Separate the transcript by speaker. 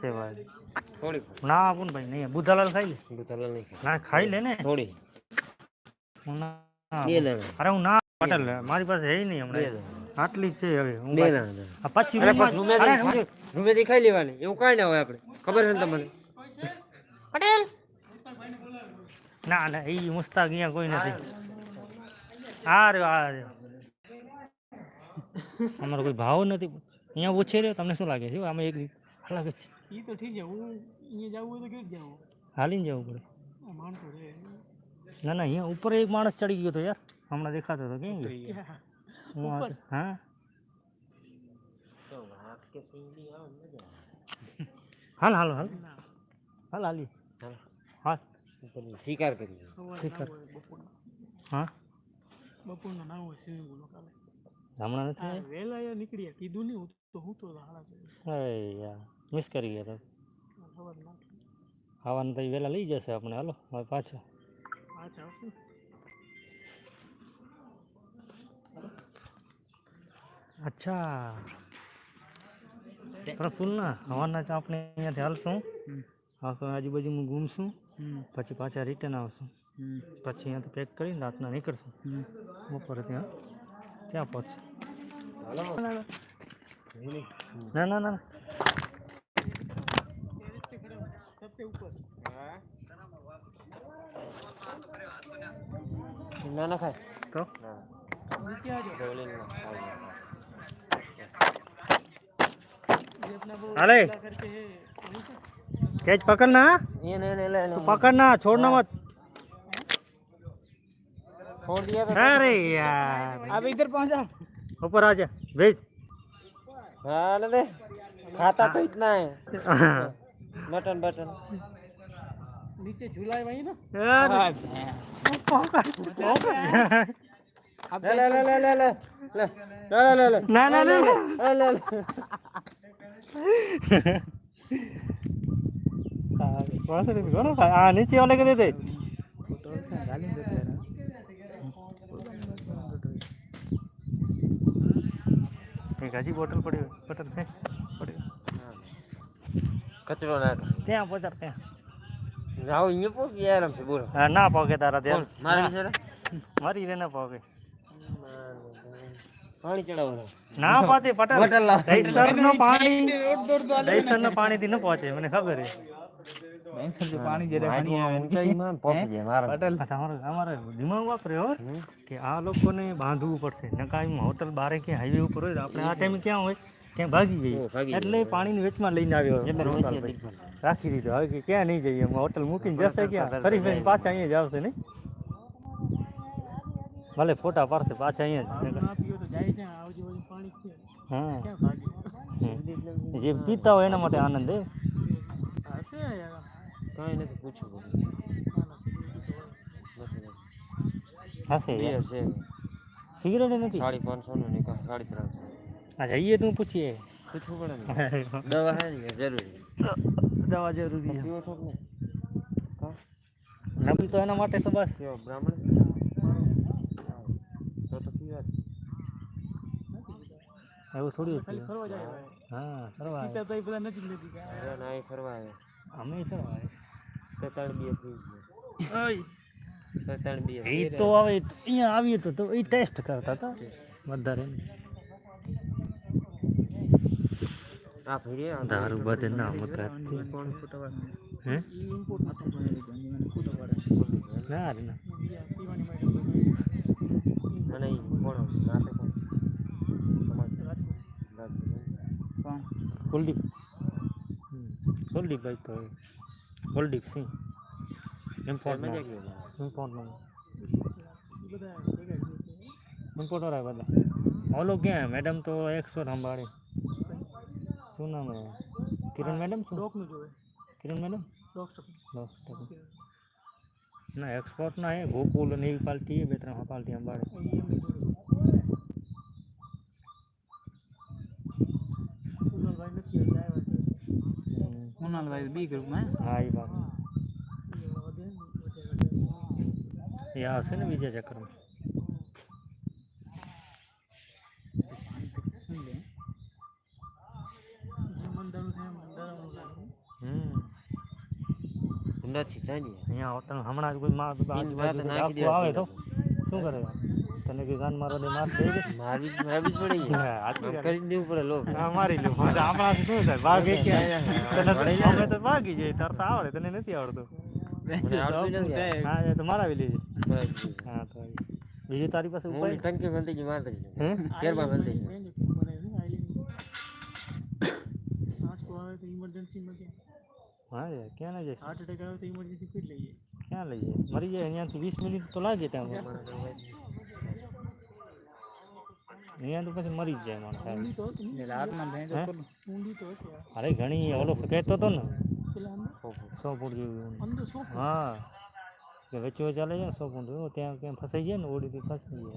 Speaker 1: છે ભાઈ
Speaker 2: થોડી
Speaker 1: ના આપું ભાઈ નહીં બુધાલાલ ખાઈ લે
Speaker 2: બુધાલાલ નહીં
Speaker 1: ના ખાઈ લે ને
Speaker 2: થોડી
Speaker 1: હું ના
Speaker 2: બે દાણા
Speaker 1: અરે હું ના પટેલ મારી પાસે હે નહીં હમણાં આટલી જ છે હવે હું
Speaker 2: બે દાણા
Speaker 1: પછી
Speaker 2: રૂમેથી ખાઈ લેવાની એવું કાંઈ ના હોય આપણે ખબર છે ને તમને પટેલ
Speaker 1: ના ના એ મુસ્તાક અહીંયા કોઈ નથી આ રહ્યો અમારો કોઈ ભાવ નથી અહીંયા ઓછે રહ્યો તમને શું લાગે છે આમાં એક લાગે છે એ તો ઠીક છે હું અહીંયા જવું હોય તો કેવી જાવ હાલીને જવું પડે માણસો રે ના ના અહીંયા ઉપર એક માણસ ચડી ગયો હતો યાર હમણાં દેખાતો હતો કેમ હા હાલ હાલ હાલ હાલ હાલી હા
Speaker 2: શિકાર કરી
Speaker 1: શિકાર હા બપોરના ના હોય સ્વિમિંગ પુલ કાલે હમણાં નથી વહેલા નીકળી કીધું નહીં હું તો યાર મિસ કરી ગયા ખાવાનું તો વહેલા લઈ જશે આપણે હાલો હવે પાછા અચ્છા પ્રફુલ્લ ના હવાના આપણે અહીંયાથી હાલશું આખો આજુબાજુમાં ઘૂમશું પછી પાછા રિટર્ન આવશું પછી અહીંયાથી પેક કરીને રાતના નીકળશું બપોરે ત્યાં પહોંચશે ના ના ના
Speaker 2: ના ના ખાય
Speaker 1: તો अरे कैच पकड़ना
Speaker 2: ये नहीं ले
Speaker 1: तो पकड़ना छोड़ना मत
Speaker 2: छोड़ दिया
Speaker 1: अरे यार
Speaker 2: अब इधर पहुंचा
Speaker 1: ऊपर आ जा भेज
Speaker 2: हाँ ले दे खाता तो इतना है बटन बटन
Speaker 1: नीचे झूला है वही ना
Speaker 2: ले ले ले ले ले ले ले ले ले
Speaker 1: ना ना ना
Speaker 2: ले
Speaker 1: कौन सा कौन हाँ नीचे वाले के दे दे एक हजी बोतल पड़ी बोतल से पड़ी
Speaker 2: कचरो ना
Speaker 1: ત્યાં પહોંચાડ ત્યાં
Speaker 2: જાઓ અહીંયા પોકી યાર આમ છે બોલો
Speaker 1: ના પોકે તારા ધ્યાન
Speaker 2: મારી છે
Speaker 1: મારી રે ના પોકે
Speaker 2: પાણી ચડાવવાનું
Speaker 1: ના પાતે પટેલ દહીસરનો પાણી થી ન પહોંચે મને ખબર છે દહીસર પાણી જયારે પાણી આવે
Speaker 2: ઊંચાઈમાં પહોંચી જાય મારા
Speaker 1: પટેલ અમારે દિમાગ વાપર્યો કે આ લોકોને બાંધવું પડશે નકા હોટલ બારે કે હાઈવે ઉપર હોય આપણે આ ટાઈમે ક્યાં હોય ક્યાં ભાગી જઈએ એટલે પાણીની વેચમાં લઈને આવ્યો રાખી દીધો હવે કે ક્યાં નહીં જઈએ હોટલ મૂકીને જશે ક્યાં ફરી ફરી પાછા અહીંયા જ આવશે નહીં ભલે ફોટા પાડશે પાછા અહીંયા હા જે પીતા હોય એના માટે આનંદ હે
Speaker 2: કાંઈ નથી પૂછવું
Speaker 1: હશે
Speaker 2: છે
Speaker 1: સિગરેટ નથી
Speaker 2: 550 નું નિકાલ 3.5
Speaker 1: આ જઈએ તું પૂછીએ
Speaker 2: પૂછવું પડે ને દવા હે ને જરૂરી
Speaker 1: દવા જરૂરી છે
Speaker 2: પીવો છો ને
Speaker 1: નબી તો એના માટે તો બસ
Speaker 2: બ્રાહ્મણ તો પીવા
Speaker 1: એવું થોડી ફરવા જાય હા ફરવા પીતા તો બધા નજીક નજીક
Speaker 2: અરે ના ફરવા આવે
Speaker 1: અમે ફરવા આવે
Speaker 2: તો તળ બી થઈ ગયો ઓય તો તળ બી
Speaker 1: એ તો હવે અહીંયા આવીએ તો એ ટેસ્ટ કરતા હતા વધારે
Speaker 2: આ ફરી
Speaker 1: દારૂ બધે ના મકા હે ના રે ના
Speaker 2: મને કોણ નાતે કોણ
Speaker 1: કુલદીપ ભાઈ તો કુલદીપ સિંહ ઇમ્પોર્ટ ઇમ્પોર્ટર આવે બધા ઓલો ક્યાં મેડમ તો એક્સપોર્ટ સંભાળે શું નામ હે કિરણ મેડમ શું ડોકનું જોવે કિરણ મેડમ ડોક ના એક્સપોર્ટ ના હે ગોકુલ ને એવી પાર્ટી હે બે ત્રણ પાર્ટી સંભાળે कुणालभाई बी ग्रुप में हाँ ये बात यहाँ से ना विजय चक्र में मंदिर
Speaker 2: નથી જાણી
Speaker 1: અહીંયા હોટલ હમણાં જ કોઈ માર આજુબાજુ કોઈ
Speaker 2: નાખી
Speaker 1: ડાકુ આવે તો શું કરે તને કે ગાન મારો દે માર દે
Speaker 2: મારી જ પડી
Speaker 1: હા, હાચી
Speaker 2: આમ
Speaker 1: વાત.
Speaker 2: કરી દેવું પડે લો
Speaker 1: હા મારી લો આપણા શું થાય ભાગે કે તને અમે તો ભાગી જાય તરતા આવડે તને નથી આવડતું
Speaker 2: મને આવડતું નથી
Speaker 1: હા એ તો મારાવી લેજે
Speaker 2: બસ.
Speaker 1: હા તો બીજી તારી પાસે
Speaker 2: હું
Speaker 1: ઉપાય
Speaker 2: ટંકી બંધી ગઈ મારી
Speaker 1: હે
Speaker 2: કેરમાં બંધી ગઈ.
Speaker 1: હા યાર ક્યાં ના જઈશ ક્યાં લઈ જાય મરી જાય અહીંયાથી 20 મિનિટ તો લાગે ત્યાં અહીંયા તો પછી મરી જ જાય માણસ અરે ઘણી ઓલો કહેતો હતો ને 100 ફૂટ જેવું હા કે વચ્ચે ચાલે છે ને 100 ફૂટ એવું ત્યાં ક્યાં ફસાઈ જાય ને ઓડીથી ફસાઈ જાય